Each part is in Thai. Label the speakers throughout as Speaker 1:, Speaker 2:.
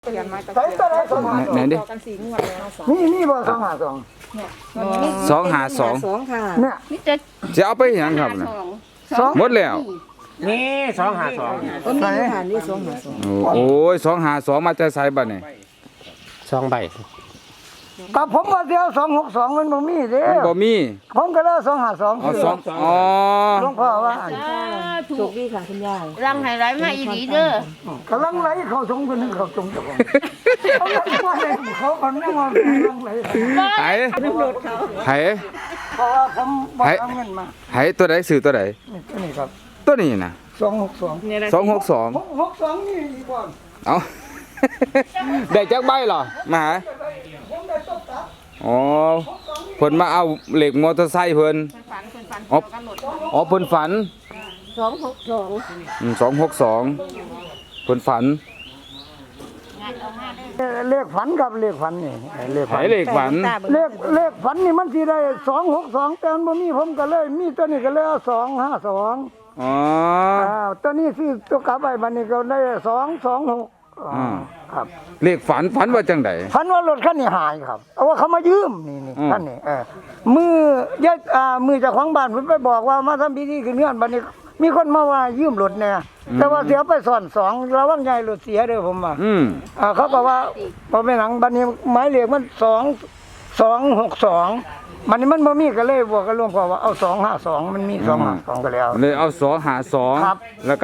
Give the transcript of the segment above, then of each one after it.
Speaker 1: เปลี่ยนมาจาก
Speaker 2: ใส่ตัวไหนสองหา
Speaker 3: ไหนดิ
Speaker 1: กัน4 งวดแล้ว
Speaker 2: นี่บ่สองหาสอง
Speaker 3: 252
Speaker 1: ค่ะ
Speaker 2: เนี่ย
Speaker 4: นี่จะ
Speaker 3: จะเอาไปหยังครับน่ะ
Speaker 2: สอง
Speaker 3: หมดแล้ว
Speaker 5: นี่252
Speaker 1: ก็มีค่ะนี่2
Speaker 3: โอ้ย252มาจะใส่บัดนี่
Speaker 5: 2ใบ
Speaker 2: กับผมว่าเดียว262มันบ่มีเด้
Speaker 3: บ่มี
Speaker 2: ผมก็เลย252
Speaker 3: อ๋อสองอ๋อ
Speaker 2: หลวงพ่อว่า
Speaker 4: ถู
Speaker 1: ถู
Speaker 4: ก
Speaker 1: กดีค่ะคุณยาย
Speaker 4: รังไห้ไรมาอีหลีเด้อก
Speaker 2: ำลังไหลเข้าสงคนนึงเข้าสงเจ้าของเขาว่าให้เขาคนนึงว่ากำลังไหล
Speaker 3: ไหไห
Speaker 2: เพราะว่าผมบ่เอาเงินมา
Speaker 3: ไหตัวใดซื้อตัวใด
Speaker 2: นี่ครับ
Speaker 3: ตัวนี้น่ะ
Speaker 2: 262
Speaker 1: เนี่ยนะ
Speaker 3: 262
Speaker 2: 662นี่อีกบ่
Speaker 3: เอา ได้จักใบเหรอมาหาอ๋อเพิ่นมาเอาเหล็กมอเตอร์ไซค์เพิ่น
Speaker 1: ฝัน
Speaker 3: อ๋อ
Speaker 1: กันหมด
Speaker 3: อ๋อเพิ่นฝัน
Speaker 4: 262
Speaker 3: 262เพิ่นฝัน
Speaker 2: เลขฝันกับเลขฝันนี่เลข
Speaker 3: ไห
Speaker 2: ฝัน
Speaker 3: เหล็กฝัน
Speaker 2: เลขฝันนี่มันสิได้262แต่มันบ่มีผมก็เลยมีตัวนี้ก็เลยเอา252
Speaker 3: อ๋อ
Speaker 2: ตัวนี้ซื้อตัวกลับไปบัดนี้ก็ได้226ครับ
Speaker 3: เหล็กฝันว่าจังได๋
Speaker 2: ฝันว่ารถคันนี้หายครับเอาว่าเขามายืมนี่
Speaker 3: อืม
Speaker 2: คันนี้มือยายมือเจ้าของบ้านเพิ่นไปบอกว่ามาทำพิธีขึ้นเฮือนบัดนี้ มีคนมาว่ายืมรถแน่แต่ว่าเสียไปซ่อน2ระวังใหญ่รถเสียเด้อผมว่า เขาก็ว่าพอไปหลังบัดนี้หมายเลขมัน262มันนี่มันบ่มีก็เลยบวกกับหลวงพ่อว่าเอา252มันมี252ก็แล้ว
Speaker 3: เลยเอา
Speaker 2: ครับ
Speaker 3: 252แล้วก็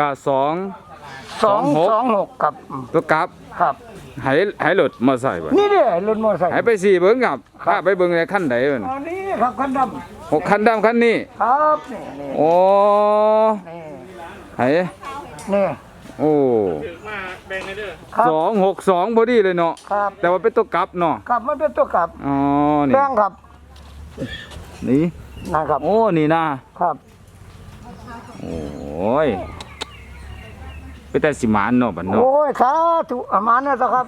Speaker 2: 226ครับ
Speaker 3: 2ตัวกลับ
Speaker 2: ครับ
Speaker 3: ให้รถมอไซค์บ่
Speaker 2: นี่เด้รถมอเตอร์ไซค์
Speaker 3: ให้ไปสี่เบิ่งครับพาไปเบิ่งในคันใดมัน
Speaker 2: อ๋อนี่ครับคันดำ
Speaker 3: 6คันดำคันนี้
Speaker 2: ครับนี่
Speaker 3: โอ้
Speaker 2: นี่
Speaker 3: ให้
Speaker 2: นี่
Speaker 3: โอ้
Speaker 2: ครับ
Speaker 3: 262พอดีเลยเนาะ
Speaker 2: ครับ
Speaker 3: แต่ว่าเป็นตัวกลับเนาะ
Speaker 2: ครับมันเป็นตัวกลับ
Speaker 3: อ๋อนี่
Speaker 2: แป้งครับ
Speaker 3: นี่
Speaker 2: นะครับ
Speaker 3: โอ้นี่นะครับ โอ้ยเป็นแต่สิหมานเนาะบัดเนาะ
Speaker 2: โอ้ยสาธุอามานะเจ้าครับ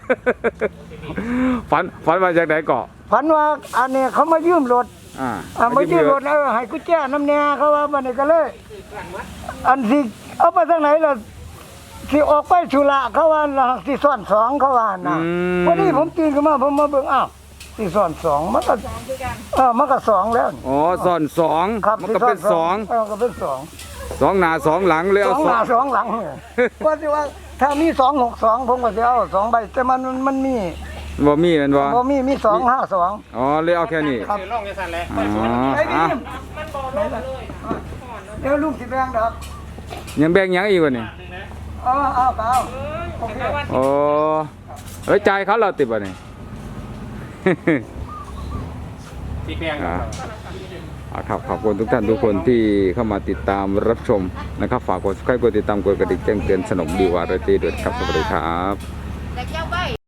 Speaker 3: ฝันว่าจากไหนเกาะ
Speaker 2: ฝันว่าอันนี้เขามายืมรถ มายืมรถให้กุญแจน้ำแน่เขาว่ามันนี่ก็เลย อันสิเอาไปทางไหนล่ะสิออกไปชุระเขาว่าสิซ่อน2เขาว่านะวันนี้ผมตื่นขึ้นมาผมมาเบิ่งอ้าวสิซ่อน2มันก็มันก็2แล้วนี่
Speaker 3: อ๋อซ่อนสอง
Speaker 2: ครับ
Speaker 3: มันก็เป็นสอง
Speaker 2: ก็เป็น2
Speaker 3: สองหน้าสองหลังเลยเอา
Speaker 2: 2หน้า2หลังก็สิว่าถ้ามี262ผมก็สิเอา2ใบแต่มันมี
Speaker 3: บ่มีแม่นบ่
Speaker 2: บ่มี252
Speaker 3: อ๋อเลยเอาแค่นี้
Speaker 5: คือล่องจังซั่นแหละ
Speaker 3: อ๋อ
Speaker 2: ไอ้นี่
Speaker 3: อ่ะ
Speaker 2: เดี๋ยวลูกสิแบ่งดอก
Speaker 3: ยังแบ่งหยังอีกวะนี่
Speaker 2: เอาโอเค
Speaker 3: โอ้เอ้ยจ่ายเขาเราติดบ่นี่
Speaker 5: สีแพง
Speaker 3: ครับขอบคุณทุกท่านทุกคนที่เข้ามาติดตามรับชมนะครับฝากกด subscribe กดติดตามกดกระดิ่งแจ้งเตือนสนมดีกว่าเราตีด้วยครับสวัสดีครับ
Speaker 4: แต่เจ้าใบ